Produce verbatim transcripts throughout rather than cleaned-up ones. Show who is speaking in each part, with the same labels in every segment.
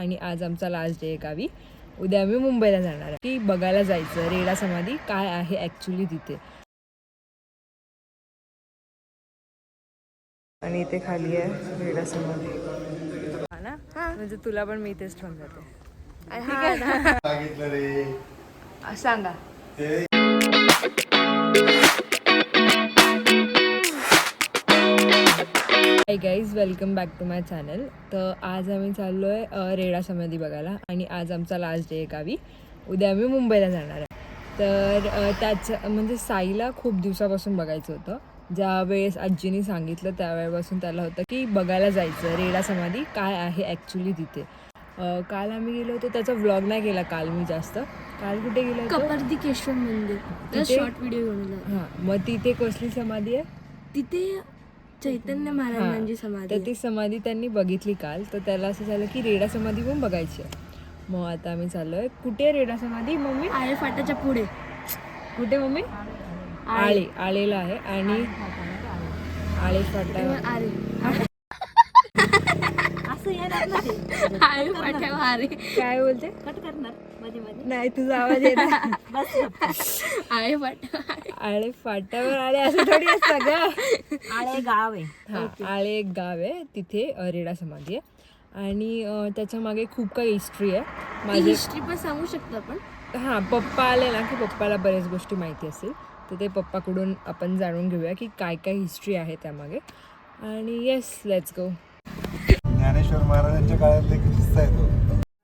Speaker 1: आणि आज आमचा लास्ट डे आहे गावी. उद्या आम्ही मुंबईला जाणार आहे की बघायला जायचं रेडा समाधी काय आहे ॲक्च्युली तिथे. आणि इथे खाली आहे रेडा समाधी ना, म्हणजे तुला पण मी इथेच ठेवून जाते. सांगा hi guys, welcome back to my channel. तर आज आम्ही चाललो आहे रेडा समाधी बघायला आणि आज आमचा लास्ट डे आहे गावी. उद्या आम्ही मुंबईला जाणार आहे. तर त्याचं म्हणजे साईला खूप दिवसापासून बघायचं होतं. ज्या वेळेस आजीने सांगितलं त्यावेळेपासून त्याला होतं की बघायला जायचं रेडा समाधी काय आहे ॲक्च्युली तिथे. काल आम्ही गेलो होतो, त्याचा व्लॉग नाही केला काल मी जास्त. काल कुठे गेलो होतो?
Speaker 2: कपर्दिकेश्वर मंदिर, शॉर्ट व्हिडिओ बनवला.
Speaker 1: हां, मग तिथे कसली समाधी आहे?
Speaker 2: तिथे चैतन्य महाराजांची समाधी.
Speaker 1: तर ती समाधी त्यांनी बघितली काल, तर त्याला असं झालं की रेडा समाधी पण बघायची आहे. मग आता आम्ही चाललोय. कुठे रेडा समाधी मम्मी?
Speaker 2: आळे फाट्याच्या पुढे.
Speaker 1: कुठे मम्मी? आळे आळेला आहे. आणि आळे फाटा
Speaker 2: आळे असं आळे फाट्यावर आळे
Speaker 1: काय बोलते?
Speaker 2: कट करणार मध्ये मध्ये
Speaker 1: नाही, तुझा आवाज येत
Speaker 2: आळे फाट्यावर
Speaker 1: आळे फाट्यावर आळे असं थोडी असतं ग.
Speaker 2: आळे गाव आहे.
Speaker 1: हा, आळे एक गाव आहे, तिथे रेडा समाधी आहे. आणि त्याच्या मागे खूप काही हिस्ट्री आहे. माझी
Speaker 2: हिस्ट्री पण सांगू शकतो आपण.
Speaker 1: हां, पप्पा आले ना की पप्पाला बऱ्याच गोष्टी माहिती असतील, तर ते पप्पाकडून आपण जाणून घेऊया की काय काय हिस्ट्री आहे त्यामागे. आणि येस, लेट्स गो.
Speaker 3: ज्ञानेश्वर महाराजांच्या काळातला एक किस्सा आहे तो.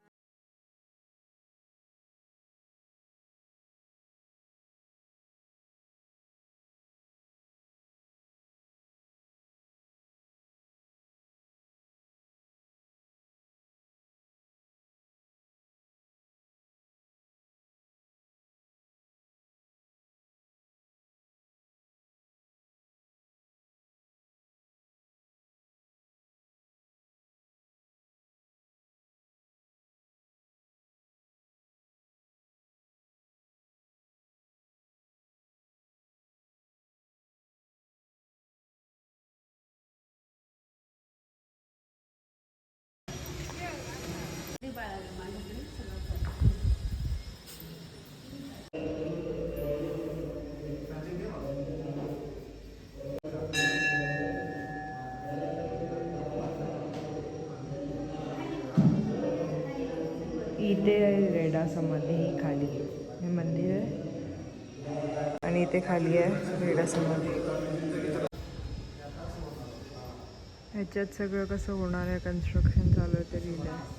Speaker 1: इथे आहे रेडा समाधी, ही खाली हे मंदिर आहे आणि इथे खाली आहे रेडा समाधी. ह्याच्यात सगळं कसं होणार आहे, कन्स्ट्रक्शन चालू आहे ते लिहिलं आहे.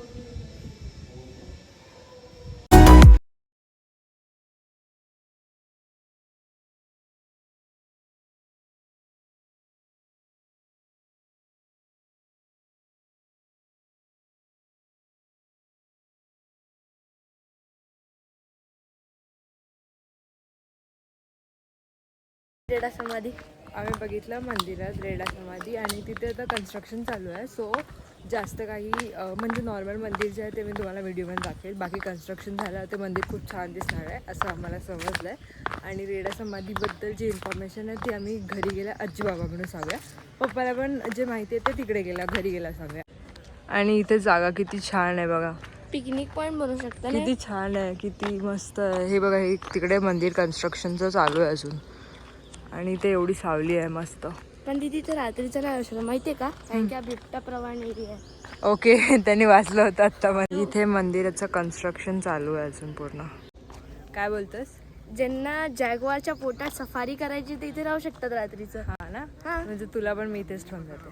Speaker 2: रेडा समाधी
Speaker 1: आम्ही बघितलं मंदिरात रेडा समाधी, आणि तिथे आता कन्स्ट्रक्शन चालू आहे. सो जास्त काही म्हणजे नॉर्मल मंदिर जे आहे ते मी तुम्हाला व्हिडिओमध्ये दाखवेल. बाकी कन्स्ट्रक्शन झालं ते मंदिर खूप छान दिसणार आहे असं आम्हाला समजलं आहे. आणि रेडा समाधीबद्दल जी इन्फॉर्मेशन आहे ती आम्ही घरी गेल्या आजी बाबाकडून सांगूया. पप्पाला पण जे माहिती आहे ते तिकडे गेला घरी गेला सांगूया. आणि इथे जागा किती छान आहे बघा,
Speaker 2: पिकनिक पॉईंट बनवू शकता.
Speaker 1: किती छान आहे, किती मस्त आहे. हे बघा, हे तिकडे मंदिर कन्स्ट्रक्शनचं चालू आहे अजून, आणि ते एवढी सावली आहे मस्त.
Speaker 2: पण तिथे तर रात्रीचं नाही असं माहितीये का, कारण की बिबटा प्रवाण एरिया आहे.
Speaker 1: ओके, त्यांनी वाचलं होतं आत्ता. मला इथे मंदिराचं कन्स्ट्रक्शन चालू आहे अजून पूर्ण. काय बोलतोस?
Speaker 2: ज्यांना जॅगवारच्या पोटात सफारी करायची ते इथे राहू शकतात रात्रीचं.
Speaker 1: हा ना, म्हणजे तुला पण मी इथेच ठेवून जाते.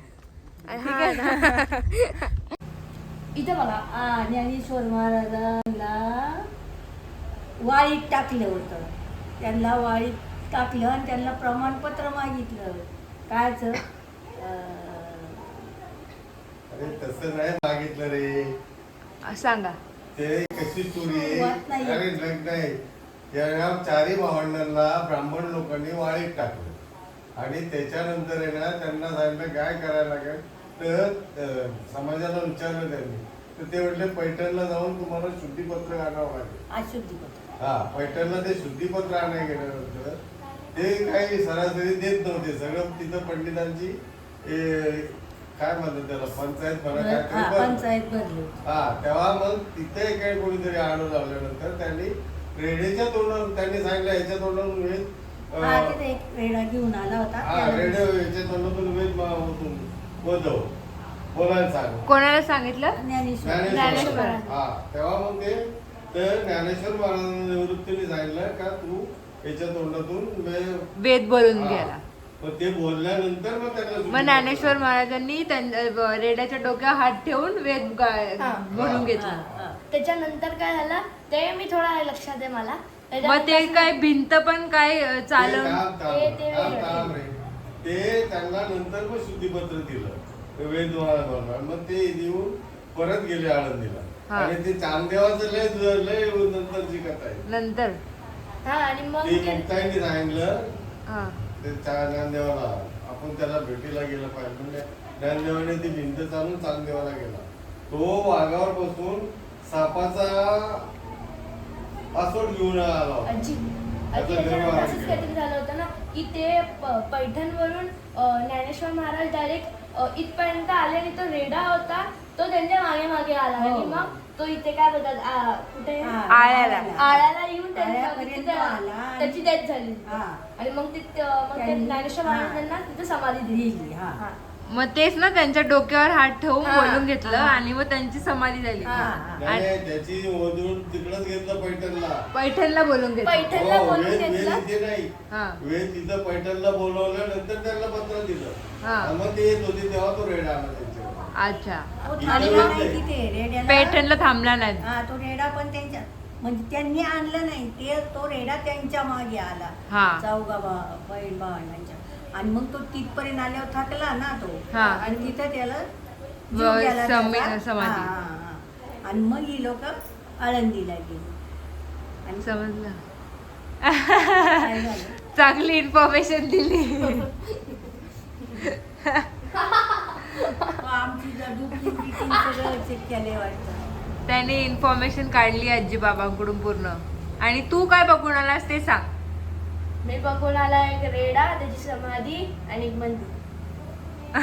Speaker 4: इथं बघा, ज्ञानेश्वर महाराजांना वाळीत टाकलं होतं. त्यांना वाळीत टाकलं आणि त्यांना प्रमाणपत्र मागितलं. कायच
Speaker 3: अरे तसं नाही मागितलं रे.
Speaker 1: सांगा
Speaker 3: ते कशी चोरी
Speaker 4: होत नाही.
Speaker 3: अरे लग्न आहे, या चारही भावंडांना ब्राह्मण लोकांनी वाळीत टाकलं आणि त्याच्यानंतर आहे ना त्यांना सांगितलं काय करायला लागेल. तर समाजाला विचारलं त्यांनी, तर ते म्हटले पैठणला जाऊन तुम्हाला शुद्धीपत्र आणावं लागेल.
Speaker 4: अशुद्धीपत्र.
Speaker 3: हा, पैठणला ते शुद्धीपत्र आणायला गेल्यानंतर ते काही सरासरी देत नव्हते. सगळं तिथं पंडितांची काय म्हणतात त्याला पंचायत म्हणा
Speaker 4: हा,
Speaker 3: काहीतरी भरलं.
Speaker 4: पंचायत भरली.
Speaker 3: हा तेव्हा मग तिथे काही कोणीतरी आडू लावल्यानंतर त्यांनी रेड्याच्या तोंडावरून त्यांनी सांगितलं याच्या तोंडावरून वेद अं,
Speaker 4: हा तिथे एक रेडा घेऊन आला होता
Speaker 3: हा
Speaker 4: त्याला-
Speaker 3: रेड्या याच्या तोंडातून वेद मा- होतून वधव बोलायला सांग
Speaker 1: कोणाला सांगितलं?
Speaker 4: ज्ञानेश्वर
Speaker 3: ज्ञानेश्वर
Speaker 1: ज्ञानेश्वर.
Speaker 3: हा तेव्हा मग ते तर ज्ञानेश्वर महाराजांना निवृत्तीने सांगितलं का तू याच्या तोंडातून वे-
Speaker 1: वेद बोलून
Speaker 3: हा.
Speaker 1: गेला.
Speaker 3: मग ते बोलल्यानंतर मग त्याला
Speaker 1: मग ज्ञानेश्वर महाराजांनी त्यांच्या रेड्याच्या डोक्यावर हात ठेवून वेद गा-
Speaker 2: हा.
Speaker 1: म्हणून घेतला.
Speaker 4: हा.
Speaker 2: त्याच्यानंतर काय झालं ते मी थोडं लक्षात आहे मला
Speaker 1: मग ते काय भिंत पण काय अं,
Speaker 3: ते
Speaker 1: चालवून
Speaker 3: थांब, थांब,
Speaker 2: ते- ते
Speaker 3: थांब,
Speaker 2: वेगळं.
Speaker 3: थांब रे. ते त्यांना नंतर मग शुद्धीपत्र दिलं वेद महाराजांना. मग ते देऊन परत गेले आळंदीला.
Speaker 1: हा.
Speaker 3: आणि ते चांदेवाचं लय लय नंतरची कथा आहे.
Speaker 1: नंतर
Speaker 2: हा आणि मग
Speaker 3: ती
Speaker 2: ते-
Speaker 3: मुक्ताईंनी सांगितलं
Speaker 1: हा.
Speaker 3: ते चा- ज्ञानदेवाला आपण त्याला भेटीला गेलं पाहिजे म्हणजे ज्ञानदेवाने ती भिंत चालून चांदेवाला गेला. तो वाघावर बसून सापाचा पासवर्ड घेऊन आला होता.
Speaker 2: आजी
Speaker 3: त्याचा
Speaker 2: आजी
Speaker 3: गर्भ
Speaker 2: याच्यानंतर
Speaker 3: आहे.
Speaker 2: असंच काहीतरी झालं होतं ना की ते प- पैठणवरून अं, ज्ञानेश्वर महाराज डायरेक्ट इथपर्यंत आले आणि तो रेडा होता तो त्यांच्या मागे मागे आला
Speaker 4: हो.
Speaker 2: आणि मग तो इथे काय बोलतात आ, कुठे
Speaker 4: हा,
Speaker 1: आळ्याला.
Speaker 2: आळ्याला येऊन त्यांच्या-
Speaker 4: आळ्यापर्यंत
Speaker 2: तिथे
Speaker 4: आला आणि-
Speaker 2: त्याची डेथ झाली
Speaker 4: हा.
Speaker 2: आणि मग ते मग ते
Speaker 4: त्यांनी-
Speaker 2: ज्ञानेश्वर
Speaker 4: हा.
Speaker 2: महाराजांना तिथे समाधी दिली
Speaker 4: दिली, हा.
Speaker 2: हा.
Speaker 1: मग तेच ना त्यांच्या डोक्यावर हात ठेवून
Speaker 2: हा.
Speaker 1: बोलून घेतलं
Speaker 4: हा.
Speaker 1: आणि मग त्यांची समाधी झाली.
Speaker 2: हा.
Speaker 3: नाही, नाही, त्याची वधून तिकडच घेतलं पैठणला.
Speaker 1: पैठणला बोलून घेतलं.
Speaker 2: पैठणला
Speaker 3: हो,
Speaker 2: बोलून
Speaker 3: वेद वेद
Speaker 2: घेतलं
Speaker 3: इथे नाही.
Speaker 1: हा.
Speaker 3: वेद तिथं पैठणला बोलवलं नंतर त्यांना पत्र दिलं.
Speaker 1: हा.
Speaker 3: आणि मग ते येत होते तेव्हा तो रेडा आला त्यांच्यावर.
Speaker 1: अच्छा.
Speaker 4: तो
Speaker 3: इथे
Speaker 4: थांबला
Speaker 3: वेद
Speaker 4: नाही
Speaker 3: नाही.
Speaker 4: तिथे रेड्याला.
Speaker 1: पैठणला थांबला नाही.
Speaker 4: हा तो रेडा पण त्यांच्या म्हणजे त्यांनी आणलं नाही ते तो रेडा त्यांच्या मागे आला
Speaker 1: हा.
Speaker 4: चौघा बा- बहीण भावंडांच्या आणि मग तो तिथपर्यंत आल्यावर थकला ना तो
Speaker 1: हा.
Speaker 4: आणि तिथं त्याला जीव
Speaker 1: व
Speaker 4: गेला
Speaker 1: समी-
Speaker 4: त्याचा.
Speaker 1: समाधी.
Speaker 4: हा, हा, हा. आणि मग ही लोक आळंदीला गेली आणि
Speaker 1: समजलं.
Speaker 4: काय झालं
Speaker 1: चांगली इन्फॉर्मेशन दिली.
Speaker 4: तो आमची डुप्लिकेटिंग सगळं चेक केले वाटतं.
Speaker 1: त्याने इन्फॉर्मेशन काढली आजी बाबांकडून पूर्ण. आणि तू काय बघून आलास ते सांग.
Speaker 2: मी बघून आला एक रेडा त्याची समाधी आणि एक मंदिर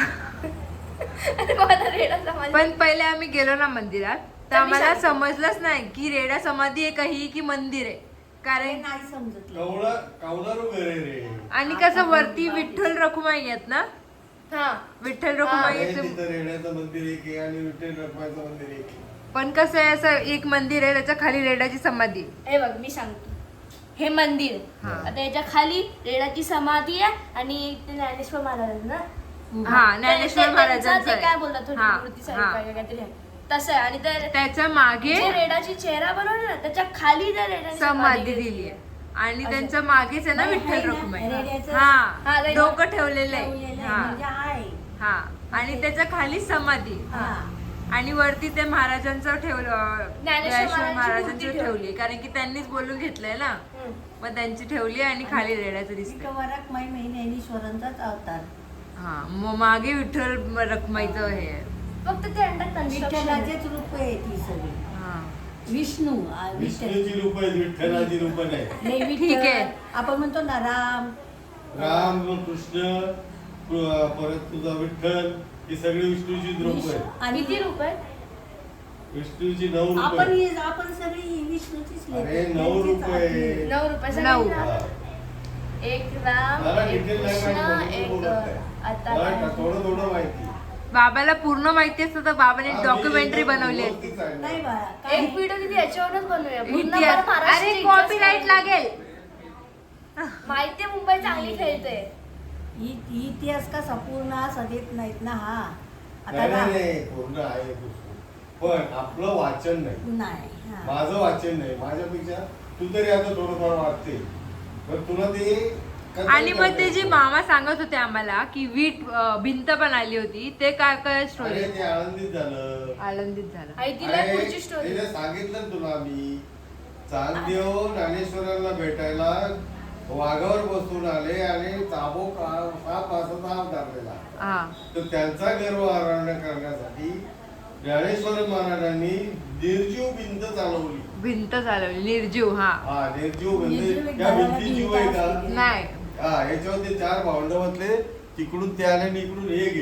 Speaker 2: आणि मला रेडा समाधी
Speaker 1: पण पहिले आम्ही गेलो ना मंदिरात तर
Speaker 2: तर मी
Speaker 1: आम्हाला
Speaker 2: सांगते.
Speaker 1: समजलंच नाही की रेडा समाधी आहे का ही की मंदिर आहे.
Speaker 4: ते
Speaker 1: कारण
Speaker 4: नाही समजत
Speaker 3: कवळा कवलारू घर आहे रे.
Speaker 1: आणि कसं वरती विठ्ठल रखुमाई आहेत ना.
Speaker 2: हा
Speaker 1: विठ्ठल
Speaker 3: अरे,
Speaker 1: रखुमाईचं
Speaker 3: तिथं रेड्याचं मंदिर एक आहे आणि विठ्ठल रखुमाईचं मंदिर एक आहे.
Speaker 1: पण कसं आहे असं एक मंदिर आहे त्याच्या खाली रेडाची समाधी आहे.
Speaker 2: हे बघ मी सांगतो हे मंदिर
Speaker 1: हा.
Speaker 2: आता याच्या खाली रेडाची समाधी आहे आणि ते ज्ञानेश्वर महाराज ना
Speaker 1: हा, ज्ञानेश्वर
Speaker 2: ते- ते-
Speaker 1: महाराजांचं
Speaker 2: त्यांचं ते
Speaker 1: आहे.
Speaker 2: काय बोलतात थोडी
Speaker 1: हा,
Speaker 2: मूर्ती
Speaker 1: हा.
Speaker 2: सारखी काय- काहीतरी आहे. तसं आहे आणि ते
Speaker 1: त्याच्या मागे
Speaker 2: जे रेडाची चेहरा बनवली ना त्याच्या खाली त्या रेडाची
Speaker 1: समाधी दिली आहे आणि
Speaker 2: असं.
Speaker 1: त्यांच्या मागेच आहे ना
Speaker 4: नाही,
Speaker 1: विठ्ठल
Speaker 4: आहे ना,
Speaker 1: रखुमाई.
Speaker 4: रेड्याचं-
Speaker 1: हा
Speaker 2: हा, रेड्या-
Speaker 1: डोकं ठेवलेलं आहे.
Speaker 4: ठेवलेलं आहे,
Speaker 1: हा
Speaker 4: म्हणजे आहे
Speaker 1: हा आणि त्याच्या खाली समाधी
Speaker 4: हा
Speaker 1: आणि वरती ते महाराजांचं ठेवलं ज्ञानेश्वर
Speaker 2: महाराजांची
Speaker 1: महाराजांची
Speaker 2: मूर्ती
Speaker 1: ठेवली कारण की त्यांनीच बोलून घेतलंय ना.
Speaker 2: हम्म.
Speaker 1: मग त्यांची ठेवली आणि खाली रेड्याचं दिसतंय.
Speaker 4: विठोबाराक माई ज्ञानेश्वरांचाच अवतार.
Speaker 1: हा मग मागे विठ्ठल रखुमाईचं हे आहे.
Speaker 2: फक्त ते अंडर कन्स्ट्रक्शन
Speaker 4: विठ्ठलाचेच रूप आहे ती सगळी.
Speaker 1: हा
Speaker 4: विष्णू आ, विठ्ठल
Speaker 3: विष्णूची रूप आहेत विठ्ठलाची रूप नाही.
Speaker 4: नाही, विठ्ठल.
Speaker 1: ठीक आहे.
Speaker 4: आपण म्हणतो ना राम
Speaker 3: राम कृष्ण प्र- परत तुझा विठ्ठल ही सगळी विष्णूची रूप
Speaker 4: विष्णू
Speaker 3: आहे.
Speaker 4: आणि
Speaker 2: किती रूप आहे
Speaker 3: विष्णूची नऊ रूप
Speaker 4: आपण
Speaker 3: आहे.
Speaker 4: ही- आपण सगळी विष्णूचीच लेकरं.
Speaker 3: अरे, नऊ रूप आहे.
Speaker 2: नऊ रुपये
Speaker 1: नऊ.
Speaker 3: हा.
Speaker 2: एक राम
Speaker 3: मला
Speaker 2: एक
Speaker 3: डिटेल नाही
Speaker 2: कृष्ण
Speaker 3: माहिती,
Speaker 2: एक
Speaker 3: बोलत नाही.
Speaker 2: आता
Speaker 3: मला
Speaker 2: काय?
Speaker 3: थोडं थोडं माहिती.
Speaker 1: बाबाला पूर्ण माहिती असतं तर बाबाने
Speaker 3: हा, मी
Speaker 1: डॉक्युमेंटरी
Speaker 3: एकदम
Speaker 1: बनवली आहे.
Speaker 3: व्यवस्थित सांगितलं.
Speaker 4: नाही बाळा काय
Speaker 2: एक व्हिडिओ किती याच्यावरच बनवूया पूर्ण
Speaker 1: इतिहास
Speaker 2: बरं महाराष्ट्राची
Speaker 1: अरे
Speaker 2: इतिहास
Speaker 1: कॉपीराईट
Speaker 2: बनवूया.
Speaker 1: लागेल.
Speaker 2: माहितीये मुंबई चांगली खेळते
Speaker 4: इ- इतिहास कसा पूर्ण असा देत नाहीत ना हा आता
Speaker 3: नाही,
Speaker 4: राम-
Speaker 3: नाही, नाही, पूर्ण आहे पुस्तक. पण आपलं वाचन नाही.
Speaker 4: नाही हा.
Speaker 3: माझं वाचन नाही माझ्यापेक्षा तू तरी आता थोडंफार वाचते पण तुला ते कथन
Speaker 1: आणि मग ते
Speaker 3: करता
Speaker 1: जे
Speaker 3: येतं.
Speaker 1: मामा सांगत होते आम्हाला की वीट अं, भिंत पण आली होती ते काय काय स्टोरी
Speaker 3: अरे ते आनंदित झालं.
Speaker 1: आनंदित झालं.
Speaker 2: आई तिला
Speaker 3: अरे,
Speaker 2: पुढची स्टोरी
Speaker 3: तिने सांगितलं ना तुला मी चांगदेव ज्ञानेश्वरांना भेटायला वाघावर बसून आले आणि चाबो साप असा साप धरलेला
Speaker 1: हा
Speaker 3: तर त्यांचा गर्व आरोहण करण्यासाठी ज्ञानेश्वर महाराजांनी निर्जीव भिंत चालवली.
Speaker 1: भिंत चालवली निर्जीव. हा
Speaker 3: हा निर्जीव
Speaker 4: निर्जीव
Speaker 3: म्हणजे
Speaker 4: एक
Speaker 3: त्या
Speaker 4: घराला
Speaker 3: भिंती जीव
Speaker 4: भिंत
Speaker 3: आहे
Speaker 4: असते.
Speaker 3: का?
Speaker 1: नाही
Speaker 3: हा याच्यावर ते चार भावंड बसले तिकडून ते आले आणि इकडून हे गेले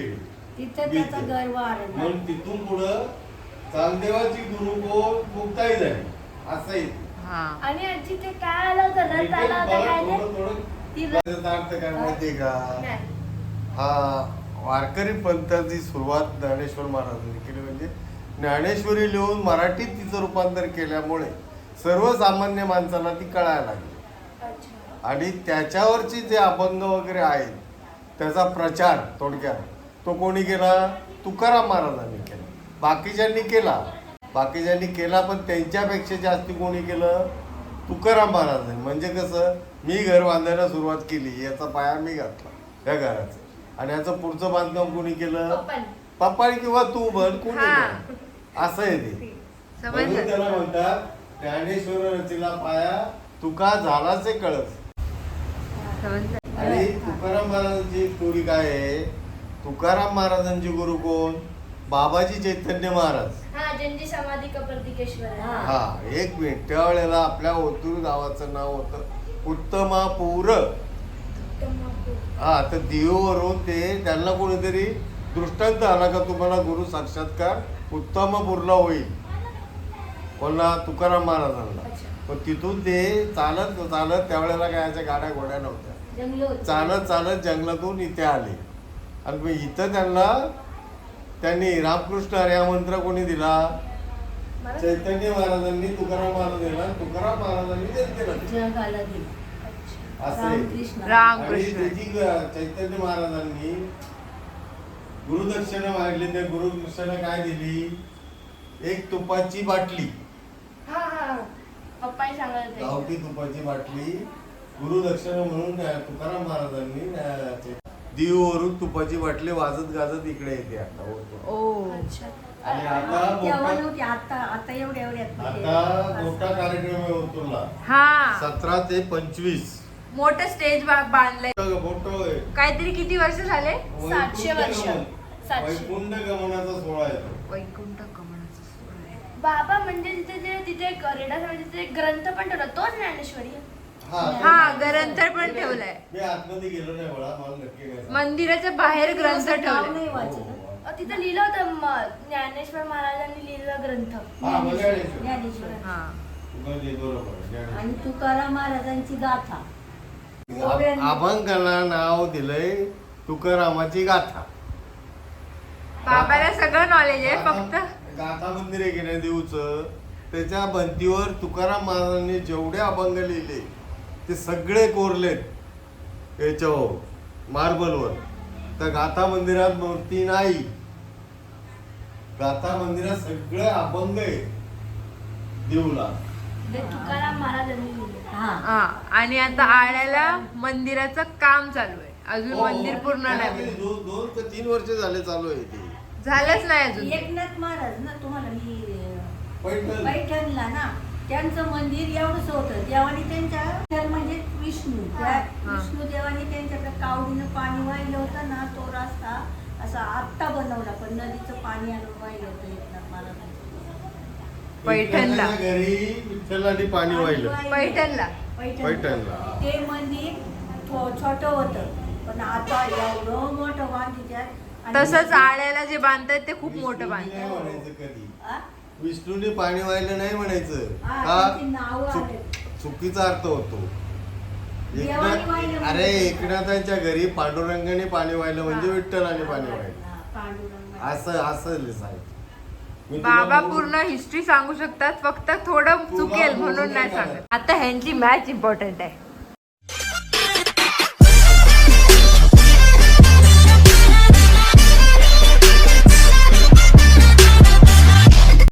Speaker 4: तिथं त्याचा
Speaker 3: बीज.
Speaker 4: गर्व आरंभला.
Speaker 3: म्हणून तिथून पुढं चालदेवाची गुरु कोण मुक्ताई झाली असं आहे.
Speaker 1: हा
Speaker 2: आणि आजी ते काय आलं होतं रथ आला होता काय ते
Speaker 3: थोडं थोडं
Speaker 2: ती रथ-
Speaker 3: त्याचा अर्थ काय माहितीये का?
Speaker 2: नाही.
Speaker 3: हा वारकरी पंथाची सुरुवात ज्ञानेश्वर महाराजांनी केली. म्हणजे ज्ञानेश्वरी लिहून मराठीत तिचं रूपांतर केल्यामुळे सर्वसामान्य माणसाला ती कळायला लागली.
Speaker 2: अच्छा.
Speaker 3: आणि त्याच्यावरची जे अभंग वगैरे आहेत त्याचा प्रचार थोडक्यात तो कोणी केला? तुकाराम महाराजांनी केला. बाकीच्यांनी केला बाकीच्यांनी केला पण त्यांच्यापेक्षा जास्ती कोणी केलं? तुकाराम महाराजांनी. म्हणजे कसं, मी घर बांधायला सुरुवात केली, याचा पाया मी घातला या घराचा, आणि याचं पुढचं बांधकाम कोणी केलं?
Speaker 2: पप्पांनी.
Speaker 3: पप्पानी किंवा तू बन कोणी
Speaker 1: हा.
Speaker 3: पण. असं आहे ते. म्हणून
Speaker 1: समजलं
Speaker 3: त्याला म्हणतात ज्ञानेश्वर रचीला पाया तुका झालाचे कळस.
Speaker 1: समजलं
Speaker 3: आणि तुकाराम महाराजांची स्टोरी काय आहे? तुकाराम महाराजांचे गुरु कोण? बाबाजी चैतन्य महाराज.
Speaker 2: हा ज्यांची समाधी कपर्दिकेश्वर आहे.
Speaker 4: हा.
Speaker 3: हा एक मिनिट. त्यावेळेला आपल्या ओतूर गावाचं नाव होतं उत्तमापूर. हा तर दिववरून ते त्यांना कोणीतरी दृष्टांत आला का तुम्हाला गुरु साक्षात्कार उत्तमपूरला होईल. कोणला? तुकाराम महाराजांना.
Speaker 2: अच्छा.
Speaker 3: पण तिथून ते चालत चालत त्यावेळेला काय याच्या गाड्या घोड्या नव्हत्या,
Speaker 4: जंगल होती.
Speaker 3: चालत चालत जंगलातून इथे आले. आणि मग इथं त्यांना त्यांनी रामकृष्ण हरी हा मंत्र कोणी दिला?
Speaker 2: मला-
Speaker 3: चैतन्य महाराजांनी तुकाराम महाराज दिला. तुकाराम महाराजांनी जनतेला दिला.
Speaker 4: जगाला दिली.
Speaker 3: असं आहे.
Speaker 4: रामकृष्ण.
Speaker 3: आणि
Speaker 1: रामकृष्ण
Speaker 3: त्याची ग- चैतन्य महाराजांनी गुरुदक्षिणा मागली. त्या गुरुदक्षिणा काय दिली? एक तुपाची बाटली,
Speaker 2: हा हा पप्पाही सांगत होते.
Speaker 3: गावठी तुपाची बाटली गुरुदक्षिणा म्हणून त्या तुकाराम महाराजांनी त्या- दीववरून तुपाची बाटली वाजत गाजत इकडे येते आता होतो.
Speaker 1: ओ
Speaker 2: अच्छा.
Speaker 3: आणि आता
Speaker 4: तेव्हा
Speaker 3: मोठा
Speaker 4: नव्हती, आता आता एवढ्या एवढ्यात
Speaker 3: आता मोठा कार्यक्रम आहे ओतूरला.
Speaker 1: हा
Speaker 3: सतरा ते पंचवीस
Speaker 1: मोठं स्टेज बांधलंय.
Speaker 3: मोठं आहे.
Speaker 1: काहीतरी किती वर्ष झाले?
Speaker 2: सातशे वर्ष.
Speaker 3: वैकुंठ गमन.
Speaker 2: सातशे.
Speaker 3: वैकुंठ गमनाचा सोहळा आहे तो.
Speaker 1: वैकुंठ कमळाचा सोहळा आहे.
Speaker 2: बाबा म्हणजे तिथे जे तिथे एक रेडा समाधीचा एक ग्रंथ पण ठेवला तोच ज्ञानेश्वरी आहे.
Speaker 3: हा
Speaker 1: हा ग्रंथ पण ठेवलाय.
Speaker 3: मी आतमध्ये गेलो नाही मला मला नक्की काय सांग.
Speaker 1: मंदिराच्या बाहेर ग्रंथ
Speaker 4: नाव
Speaker 1: ठेवलाय.
Speaker 4: नाही
Speaker 3: हो,
Speaker 4: वाचलं.
Speaker 3: हो.
Speaker 2: अ, तिथं लिहिलं होतं म- ज्ञानेश्वर महाराजांनी लिहिलेला ग्रंथ.
Speaker 3: हा बघायला
Speaker 4: ज्ञानेश्वर.
Speaker 1: हा
Speaker 3: बरोबर आहे.
Speaker 4: आणि तुकाराम महाराजांची गाथा.
Speaker 3: आ- अभंगाला नाव दिलंय तुकारामाची गाथा.
Speaker 1: बाबाला सगळं नॉलेज आहे.
Speaker 3: गाथा-
Speaker 1: फक्त
Speaker 3: गाथा मंदिर आहे की नाही देऊचं, त्याच्या भिंतीवर तुकाराम महाराजांनी जेवढे अभंग लिहिले ते सगळे कोरलेत याच्यावर मार्बलवर. तर गाथा मंदिरात मूर्ती नाही. गाथा मंदिरात सगळे अभंग आहे देऊला.
Speaker 2: ते तुकाराम महाराजांनी लिहिलं.
Speaker 4: हा.
Speaker 1: हा आणि आता आळ्याला मंदिराचं काम चालू आहे. अजून
Speaker 3: हो,
Speaker 1: मंदिर पूर्ण
Speaker 3: काय
Speaker 1: नाही
Speaker 3: ते दो- दोन ते तीन वर्ष झाले चालू आहे ते.
Speaker 1: झालंच नाही अजून.
Speaker 4: एकनाथ महाराज ना तुम्हाला मी
Speaker 3: पैठण
Speaker 4: पैठणला ना त्यांचं मंदिर एवढंच होतं. देवाने त्यांच्या विठ्ठल म्हणजे विष्णू त्या
Speaker 1: हा.
Speaker 4: विष्णू देवाने त्यांच्याकडे कावडीनं पाणी वाहिलं होतं ना, तो रस्ता असा आत्ता बनवला, पण नदीचं पाणी आणून वाहिलं होतं एकनाथ महाराजांचं.
Speaker 1: पैठणला.
Speaker 3: विठ्ठलाच्या घरी विठ्ठलाने पाणी वाहिलं.
Speaker 1: पैठणला.
Speaker 4: पैठण.
Speaker 3: पैठणला.
Speaker 4: ते मंदिर छोट होतं, पण आता एवढं मोठं बांधित्यात. आणि-
Speaker 1: तसंच आळ्याला जे बांधतायत ते खूप मोठं
Speaker 3: विष्णूने
Speaker 1: बांधतात.
Speaker 3: नाही म्हणायचं कधी.
Speaker 4: आ?
Speaker 3: विष्णूने पाणी वाहिलं नाही म्हणायचं.
Speaker 4: हा,
Speaker 3: का?
Speaker 4: त्यांची नावं
Speaker 3: चुक-
Speaker 4: आलेत.
Speaker 3: चुकीचा अर्थ होतो.
Speaker 4: देवाने वाहिलं
Speaker 3: एकनाथ अरे
Speaker 4: म्हणजे-
Speaker 3: एकनाथांच्या घरी पांडुरंगाने पाणी वाहिलं म्हणजे
Speaker 4: हा.
Speaker 3: विठ्ठलाने पाणी वाहिलं.
Speaker 4: हा, पांडुरंग.
Speaker 3: असं असं लिहायचं. मी तुला
Speaker 1: बाबा
Speaker 3: बोलू-
Speaker 1: पूर्ण हिस्ट्री सांगू शकतात, फक्त थोडं
Speaker 3: तुला
Speaker 1: चुकेल
Speaker 3: बोलू
Speaker 1: म्हणून
Speaker 3: नाही
Speaker 1: नाही
Speaker 3: का?
Speaker 1: सांगत. आता ह्यांची मॅच इम्पॉर्टंट आहे.